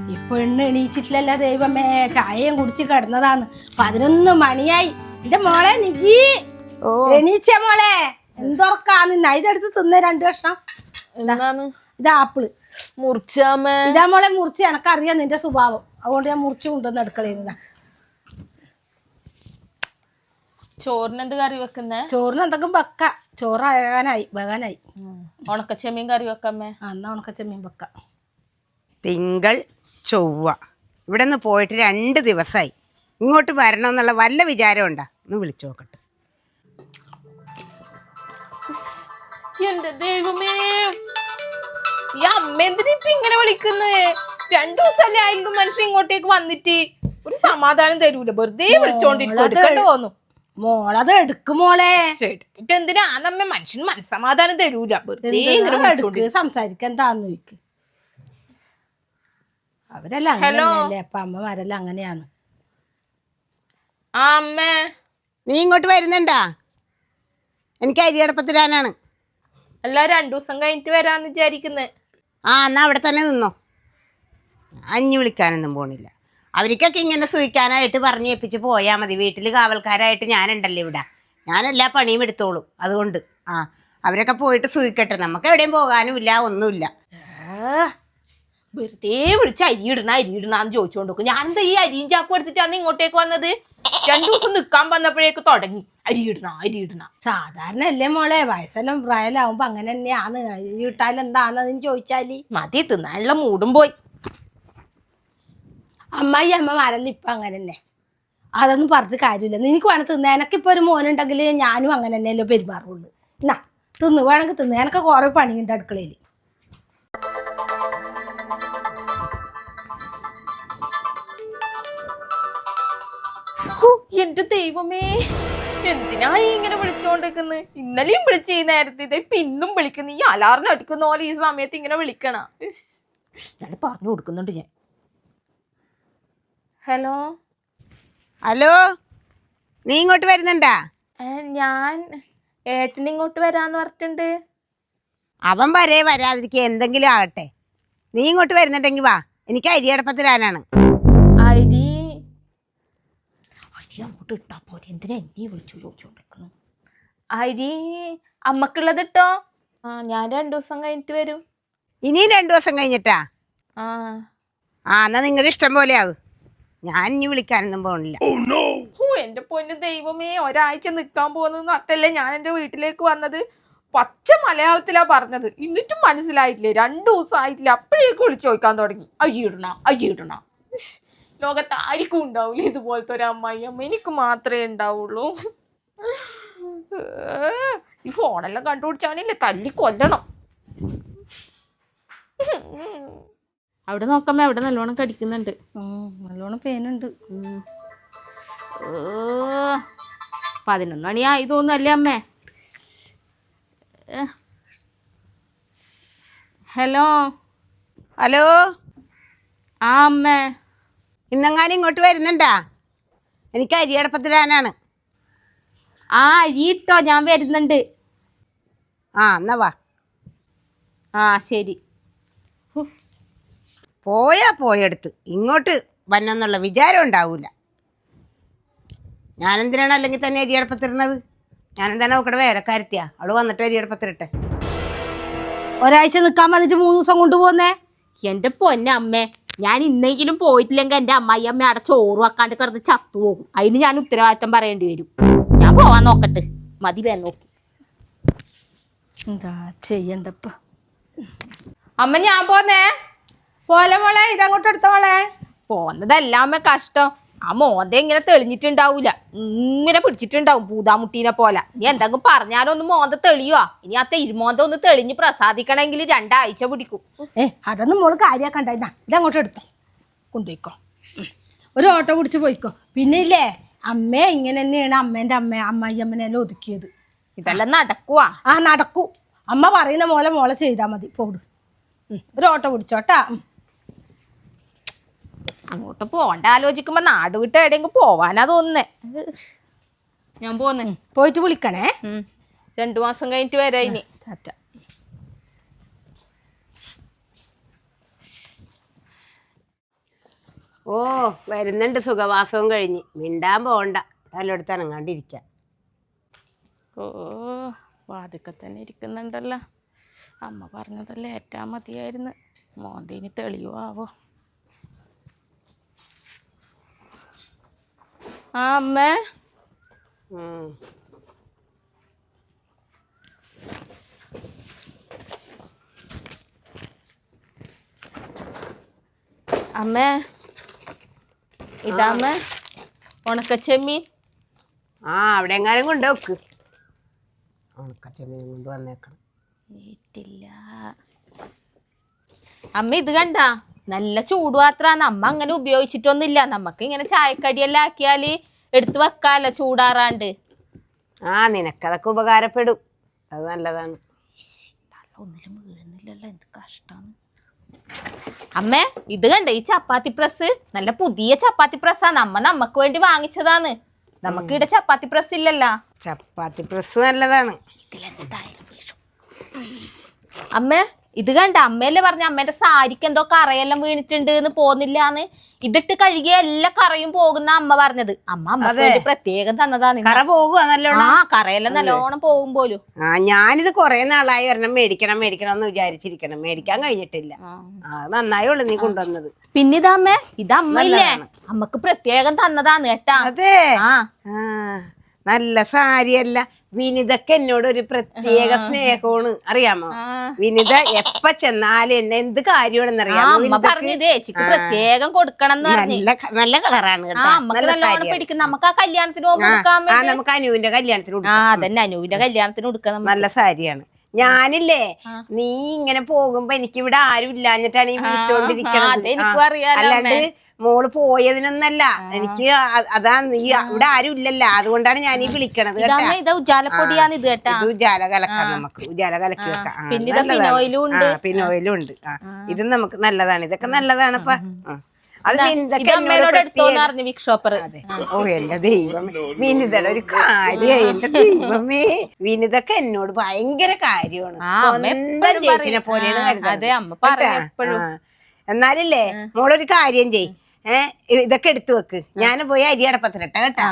പെണ്ണ് എണീച്ചിട്ടില്ലല്ലോ ദൈവമേ. ചായയും കുടിച്ച് കിടന്നതാന്ന്. 11 മണിയായി. എന്റെ മോളെ നിക്കി എണീച്ച മോളെ. എന്തൊറക്കാന്ന് ഇതെടുത്ത് തിന്ന 2 കഷ്ണം. ഇത് ആപ്പിള് മുറിച്ചാമേ. ഇതാ മോളെ മുറിച്ച്. എനക്കറിയാം നിന്റെ സ്വഭാവം, അതുകൊണ്ട് ഞാൻ മുറിച്ചു കൊണ്ടുവന്ന് അടുക്കളയിന്നാ. ചോറിന് എന്ത് കറി വെക്കുന്നേ? ചോറിന് എന്തെങ്കിലും വെക്ക. ചോറാകാനായി വെകാനായി. ഉണക്കച്ചെമ്മീൻ കറി വെക്കമ്മേ. എന്നാ ഉണക്കച്ചെമ്മീൻ വെക്ക. തിങ്കൾ ചൊവ്വ ഇവിടെ നിന്ന് പോയിട്ട് 2 ദിവസമായി. ഇങ്ങോട്ട് വരണമെന്നുള്ള വല്ല വിചാരം ഉണ്ടാ? ഒന്ന് വിളിച്ചു നോക്കട്ടെ. എന്റെ ദൈവമേ, ഈ അമ്മ എന്തിനാ ഇപ്പൊ ഇങ്ങനെ വിളിക്കുന്നത്? 2 ദിവസമല്ലേ ആയിരുന്നു മനുഷ്യൻ ഇങ്ങോട്ടേക്ക് വന്നിട്ട്. ഒരു സമാധാനം തരൂല, വെറുതെ വിളിച്ചോണ്ടിരിക്കും. തോന്നു മോളത് എടുക്കും മോളെ. എടുത്തിട്ട് എന്തിനാ നമ്മ മനുഷ്യന് മനസ്സമാധാനം തരൂല, വെറുതെ സംസാരിക്കാൻ എന്താന്ന് ചോദിക്കും. അവരെല്ലാം അങ്ങനെയല്ലേ, അപ്പൊ അമ്മമാരെല്ലാം അങ്ങനെയാന്ന്. ആ അമ്മേ, നീ ഇങ്ങോട്ട് വരുന്നുണ്ടാ? എനിക്ക് അരിയടപ്പത്തിടാനാണ്. അല്ല 2 ദിവസം കഴിഞ്ഞിട്ട് വരാന്ന് വിചാരിക്കുന്നത്. എന്നാ അവിടെ തന്നെ നിന്നോ. അഞ്ഞു വിളിക്കാനൊന്നും പോണില്ല. അവർക്കൊക്കെ ഇങ്ങനെ സൂഹിക്കാനായിട്ട് പറഞ്ഞേൽപ്പിച്ച് പോയാൽ മതി. വീട്ടിൽ കാവൽക്കാരായിട്ട് ഞാനുണ്ടല്ലോ ഇവിടെ. ഞാൻ എല്ലാ പണിയും എടുത്തോളൂ. അതുകൊണ്ട് അവരൊക്കെ പോയിട്ട് സൂഹിക്കട്ടെ. നമുക്ക് എവിടെയും പോകാനും ഇല്ല, ഒന്നുമില്ല. വെറുതെ വിളിച്ച് അരിയിടണന്ന് ചോദിച്ചോണ്ട് നോക്കും. ഞാനെന്താ ഈ അരിയും ചാക്കും എടുത്തിട്ടാണ് ഇങ്ങോട്ടേക്ക് വന്നത്? 2 ദിവസം നിക്കാൻ വന്നപ്പോഴേക്ക് തുടങ്ങി അരിയിടണ. സാധാരണ അല്ലേ മോളെ, വയസ്സെല്ലാം പ്രായലാവുമ്പോ അങ്ങനെ തന്നെയാണ്. അരി കിട്ടാലും എന്താന്ന് ചോദിച്ചാല് മതി, തിന്നാനുള്ള മൂടും പോയി. അമ്മമാരെല്ലാം ഇപ്പൊ അങ്ങനെ തന്നെ. അതൊന്നും പറഞ്ഞിട്ട് കാര്യമില്ല. നിനക്ക് വേണം തിന്ന. എനക്കിപ്പോ ഒരു മോനുണ്ടെങ്കിൽ ഞാനും അങ്ങനെ തന്നെയല്ലോ പെരുമാറുള്ളൂ. എന്നാ തിന്ന്, വേണമെങ്കിൽ തിന്ന്. എനക്ക് കുറെ പണിയുണ്ട് അടുക്കളയിൽ. എന്റെ ദൈവമേ, എന്തിനാ ഇങ്ങനെ വിളിച്ചോണ്ടിരിക്കുന്നത്? ഇന്നലെയും വിളിച്ച് ഈ നേരത്തെ, ഇതേ പിന്നും വിളിക്കുന്നു. ഈ അലാറിന് അടിക്കുന്ന പോലെ ഈ സമയത്ത് ഇങ്ങനെ വിളിക്കണ. ഞാൻ പറഞ്ഞു കൊടുക്കുന്നുണ്ട് ഞാൻ. ഹലോ ഹലോ, നീ ഇങ്ങോട്ട് വരുന്നുണ്ടാ? ഞാൻ ഏട്ടൻ ഇങ്ങോട്ട് വരാന്ന് പറഞ്ഞിട്ടുണ്ട്. അവൻ വരാതിരിക്കുക എന്തെങ്കിലും ആകട്ടെ. നീ ഇങ്ങോട്ട് വരുന്നുണ്ടെങ്കിൽ വാ. എനിക്ക് അരിയടപ്പത്തിടാനാണ്. അരി അങ്ങോട്ട് ഇട്ടാ പോലെ എന്തിനാ എന്നെ വിളിച്ചു ചോദിച്ചോണ്ടിരിക്കുന്നത്? അരി അമ്മക്കുള്ളത് ഇട്ടോ. ഞാൻ 2 ദിവസം കഴിഞ്ഞിട്ട് വരും. ഇനിയും 2 ദിവസം കഴിഞ്ഞിട്ടാ? എന്നാ നിങ്ങളുടെ ഇഷ്ടം പോലെ ആവും. ഞാൻ ഇനി വിളിക്കാനൊന്നും പോണില്ല. എന്റെ പൊന്നു ദൈവമേ, ഒരാഴ്ച നിക്കാൻ പോകുന്ന നട്ടല്ലേ ഞാൻ എന്റെ വീട്ടിലേക്ക് വന്നത്. പച്ച മലയാളത്തിലാ പറഞ്ഞത്, എന്നിട്ടും മനസ്സിലായിട്ടില്ലേ? 2 ദിവസം ആയിട്ടില്ല, അപ്പോഴേക്ക് വിളിച്ചു ചോദിക്കാൻ തുടങ്ങി. അയ്യിടണ. ലോകത്ത് ആർക്കും ഉണ്ടാവൂല ഇതുപോലത്തെ ഒരു അമ്മ. എനിക്ക് മാത്രമേ ഉണ്ടാവുള്ളൂ. ഈ ഫോണെല്ലാം കണ്ടുപിടിച്ചാണില്ലേ തല്ലി കൊല്ലണം. അവിടെ നോക്കാമേ, അവിടെ നല്ലോണം കടിക്കുന്നുണ്ട്. നല്ലോണം പേനുണ്ട്. 11 മണി ആയി തോന്നല്ലേ അമ്മേ? ഹലോ അമ്മേ, ഇന്നെങ്ങാനും ഇങ്ങോട്ട് വരുന്നുണ്ടാ? എനിക്ക് അരിയടപ്പത്തിടാനാണ്. അരി ഇട്ടോ, ഞാൻ വരുന്നുണ്ട്. എന്നാ വാ. ശരി. പോയെടുത്ത് ഇങ്ങോട്ട് വന്നെന്നുള്ള വിചാരം ഉണ്ടാവൂല. ഞാനെന്തിനാണ് അല്ലെങ്കിൽ തന്നെ അരിയടപ്പത്തിടുന്നത്? ഞാനെന്താണ് നോക്കടെ വേലക്കാരത്തിയാ? അവള് വന്നിട്ട് അരിയടപ്പത്തിരട്ടെ. ഒരാഴ്ച നിക്കാൻ വന്നിട്ട് 3 ദിവസം കൊണ്ടുപോകുന്നേ? എന്റെ പൊന്നമ്മേ, ഞാൻ ഇന്നെങ്കിലും പോയിട്ടില്ലെങ്കിൽ എന്റെ അമ്മായിയമ്മ അവിടെ ചോറ് വെക്കാണ്ട് കിടന്ന് ചത്തുപോകും. അതിന് ഞാൻ ഉത്തരവാദിത്തം പറയേണ്ടി വരും. ഞാൻ പോവാൻ നോക്കട്ടെ. മതി വേ നോക്കി. എന്താ ചെയ്യണ്ടപ്പ അമ്മ, ഞാൻ പോന്നേ. പോലെ മോളെ, ഇതങ്ങോട്ട് എടുത്ത മോളെ. പോന്നതല്ലാമ്മ കഷ്ടം. ആ മോന്ത ഇങ്ങനെ തെളിഞ്ഞിട്ടുണ്ടാവൂല, ഇങ്ങനെ പിടിച്ചിട്ടുണ്ടാവും പൂതാമുട്ടീനെ പോലെ. നീ എന്തെങ്കിലും പറഞ്ഞാലൊന്ന് മോന്ത തെളിയുവാ? ഇനി ആ തെരുമോന്ത ഒന്ന് തെളിഞ്ഞ് പ്രസാദിക്കണമെങ്കിൽ 2 ആഴ്ച പിടിക്കും. അതൊന്നും മോള് കാര്യാക്കണ്ടായിരുന്ന. ഇതങ്ങോട്ട് എടുത്തോ, കൊണ്ടുപോയിക്കോ. ഒരു ഓട്ടോ പിടിച്ച് പോയിക്കോ. പിന്നെ ഇല്ലേ, അമ്മ ഇങ്ങനെ തന്നെയാണ് അമ്മേന്റെ അമ്മായിയമ്മനെല്ലാം ഒതുക്കിയത്. ഇതെല്ലാം നടക്കുവാ? നടക്കൂ. അമ്മ പറയുന്ന മോളെ ചെയ്താൽ മതി. പോട്, ഒരു ഓട്ടോ പിടിച്ചോട്ടാ. അങ്ങോട്ട് പോണ്ട ആലോചിക്കുമ്പോ നാട് വിട്ട് എവിടെയെങ്കിലും പോവാനാ തോന്നുന്നേ. ഞാൻ പോന്നെ. പോയിട്ട് വിളിക്കണേ. 2 മാസം കഴിഞ്ഞിട്ട് വരാ ഇനി. ടാറ്റ. ഓ വരുന്നുണ്ട് സുഖവാസവും കഴിഞ്ഞ് മിണ്ടാൻ പോകണ്ട എല്ലായിടത്ത് അനങ്ങാണ്ടിരിക്കാം. ഓ വാതിക്കെ തന്നെ ഇരിക്കുന്നുണ്ടല്ലോ. അമ്മ പറഞ്ഞതല്ലേ ഏറ്റാ മതിയായിരുന്നു. മോന്തീന് തെളിയോ ആവോ. ആ അമ്മേ. അമ്മേ ഇതാമ്മേ ഉണക്കച്ചെമ്മീൻ. ആ അവിടെ എങ്ങാനും കൊണ്ടുവെക്ക്. ഉണക്കച്ചെമ്മീനും കൊണ്ട് വന്നേക്കണം. ഏറ്റില്ല അമ്മ. ഇത് കണ്ട നല്ല ചൂടുപാത്രാണ്. അമ്മ അങ്ങനെ ഉപയോഗിച്ചിട്ടൊന്നുമില്ല. നമുക്ക് ഇങ്ങനെ ചായക്കടിയെല്ലാം ആക്കിയാല് എടുത്ത് വെക്കാല്ലോ ചൂടാറാണ്ട്. ആ നിനക്കതൊക്കെ ഉപകാരപ്പെടും. അത് നല്ലതാണ്. ഒന്നിലും വീഴുന്നില്ലല്ലോ, എന്ത് കഷ്ടാണ്. അമ്മേ ഇത് കണ്ട ഈ ചപ്പാത്തി പ്രസ് നല്ല പുതിയ ചപ്പാത്തി പ്രസ്സാണ്. അമ്മ നമുക്ക് വേണ്ടി വാങ്ങിച്ചതാണ്. നമുക്ക് ഇവിടെ ചപ്പാത്തി പ്രസ് ഇല്ലല്ലോ. ചപ്പാത്തി പ്രസ് നല്ലതാണ്. ഇതിലെന്തായാലും വീഴും. അമ്മേ ഇത് കണ്ട അമ്മയല്ലേ പറഞ്ഞ അമ്മേന്റെ സാരിക്ക് എന്തോ കറയെല്ലാം വീണിട്ടുണ്ട് എന്ന് പോന്നില്ലാന്ന്. ഇതിട്ട് കഴുകിയ എല്ലാ കറയും പോകുന്ന അമ്മ പറഞ്ഞത്. അമ്മക്ക് വേണ്ടി പ്രത്യേകം തന്നതാണ്. കറ പോകുക നല്ലോണം. ആ കറയെല്ലാം നല്ലോണം പോകും പോലും. ആ ഞാനിത് കൊറേ നാളായി ഒരെണ്ണം മേടിക്കണം എന്ന് വിചാരിച്ചിരിക്കണം. മേടിക്കാൻ കഴിഞ്ഞിട്ടില്ല. നന്നായുള്ളു നീ കൊണ്ടുവന്നത്. പിന്നെ ഇതമ്മേ ഇത് അമ്മയില്ലേ അമ്മക്ക് പ്രത്യേകം തന്നതാണ് കേട്ടാ. അതെ നല്ല സാരിയല്ല. വിനിതക്ക് എന്നോട് ഒരു പ്രത്യേക സ്നേഹമാണ് അറിയാമോ. വിനിത എപ്പ ചെന്നാലും എന്നെ എന്ത് കാര്യമാണെന്നറിയാമോ. പ്രത്യേകം കൊടുക്കണം. നല്ല കളറാണ് കേട്ടോ. നമുക്ക് ആ കല്യാണത്തിന് പോകുമ്പോ നമുക്ക് അനുവിന്റെ കല്യാണത്തിന് അതന്നെ അനുവിന്റെ കല്യാണത്തിന് കൊടുക്കണം. നല്ല സാരിയാണ്. ഞാനില്ലേ നീ ഇങ്ങനെ പോകുമ്പോ എനിക്ക് ഇവിടെ ആരും ഇല്ലാഞ്ഞിട്ടാണ് ഈ വിളിച്ചോണ്ടിരിക്കണത്. അല്ലാണ്ട് മോള് പോയതിനൊന്നല്ല. എനിക്ക് അതാ നീ ഇവിടെ ആരും ഇല്ലല്ലോ, അതുകൊണ്ടാണ് ഞാൻ ഈ വിളിക്കണത് കേട്ടോ. ഉജാലപ്പൊടിയാണ് ഇത് കേട്ടാ. ഉജാല കലക്കാം, നമുക്ക് ഉജാല കലക്കി വെക്കാം. പിന്നോയിലും ഉണ്ട്. ഇത് നമുക്ക് നല്ലതാണ്. ഇതൊക്കെ നല്ലതാണപ്പാ. അത് ഓ എന്റെ ദൈവമേ, വിനിതയുടെ ഒരു കാര്യം. എന്റെ ദൈവമേ, വിനിതൊക്കെ എന്നോട് ഭയങ്കര കാര്യമാണ്. സ്വന്തം ചേച്ചിനെ പോലെയാണ് കരുതുന്നത്. എന്നാലില്ലേ മോളൊരു കാര്യം ചെയ്. ഇതൊക്കെ എടുത്തു വെക്ക്. ഞാൻ പോയി അരി അടപ്പത്തിലിട്ട കേട്ടാ.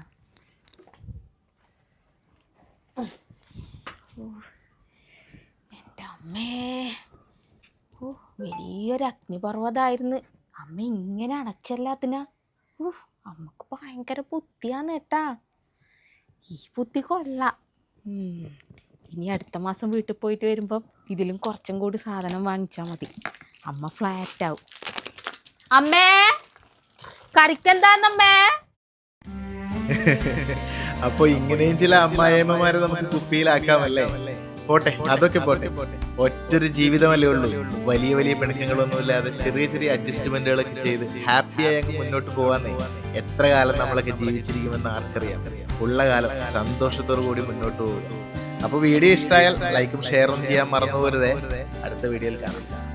എന്റെ അമ്മേ വലിയൊരു അഗ്നിപർവ്വതായിരുന്നു. അമ്മ ഇങ്ങനെ അടച്ചല്ലാത്തിനാ. അമ്മക്ക് ഭയങ്കര ബുദ്ധിയാന്ന് കേട്ടാ. ഈ ബുദ്ധി കൊള്ളാം. ഇനി അടുത്ത മാസം വീട്ടിൽ പോയിട്ട് വരുമ്പം ഇതിലും കുറച്ചും കൂടി സാധനം വാങ്ങിച്ചാൽ മതി. അമ്മ ഫ്ലാറ്റ് ആവും. അമ്മേ കറിക്കെന്താന്നമ്മേ? അപ്പൊ ഇങ്ങനെയും ചില അമ്മായിയമ്മമാരെ നമുക്ക് കുപ്പിയിലാക്കാമല്ലേ. പോട്ടെ, അതൊക്കെ പോട്ടെ. ഒറ്റൊരു ജീവിതമല്ലേ ഉള്ളൂ. വലിയ വലിയ പിണക്കങ്ങളൊന്നുമില്ലാതെ ചെറിയ ചെറിയ അഡ്ജസ്റ്റ്മെന്റുകളൊക്കെ ചെയ്ത് ഹാപ്പിയായി അങ്ങ് മുന്നോട്ട് പോവാന്നേ. എത്ര കാലം നമ്മളൊക്കെ ജീവിച്ചിരിക്കുമെന്ന് ആർക്കറിയാം. ഉള്ള കാലം സന്തോഷത്തോടു കൂടി മുന്നോട്ട് പോകും. അപ്പൊ വീഡിയോ ഇഷ്ടമായാൽ ലൈക്കും ഷെയറും ചെയ്യാൻ മറന്നു പോരുതേ. അടുത്ത വീഡിയോയിൽ കാണാം.